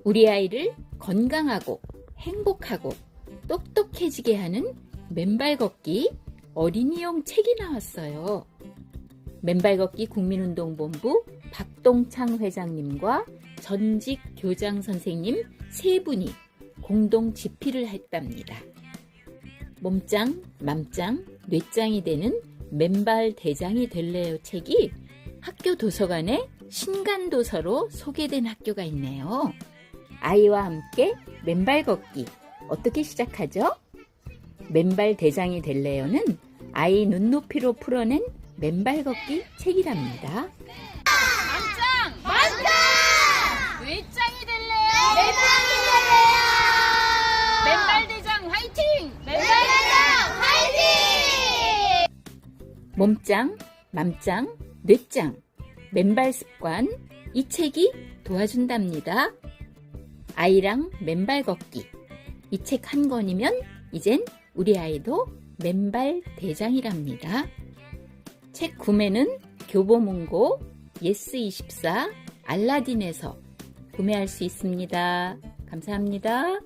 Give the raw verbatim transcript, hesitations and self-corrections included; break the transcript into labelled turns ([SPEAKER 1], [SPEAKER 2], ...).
[SPEAKER 1] 우리 아이를 건강하고 행복하고 똑똑해지게 하는 맨발 걷기 어린이용 책이 나왔어요. 맨발 걷기 국민운동본부 박동창 회장님과 전직 교장 선생님 세 분이 공동 집필을 했답니다. 몸짱, 맘짱, 뇌짱이 되는 맨발 대장이 될래요 책이 학교 도서관에 신간도서로 소개된 학교가 있네요. 아이와 함께 맨발 걷기 어떻게 시작하죠? 맨발 대장이 될래요는 아이 눈높이로 풀어낸 맨발 걷기 책이랍니다.
[SPEAKER 2] 맘짱!
[SPEAKER 3] 맘짱!
[SPEAKER 2] 뇌짱이 될래요?
[SPEAKER 3] 뇌짱이 될래요?
[SPEAKER 2] 맨발 대장 화이팅!
[SPEAKER 3] 맨발대장 화이팅!
[SPEAKER 1] 몸짱, 맘짱, 뇌짱, 맨발 습관 이 책이 도와준답니다. 아이랑 맨발 걷기 이 책 한 권이면 이젠 우리 아이도 맨발 대장이랍니다. 책 구매는 교보문고, 예스이십사, 알라딘에서 구매할 수 있습니다. 감사합니다.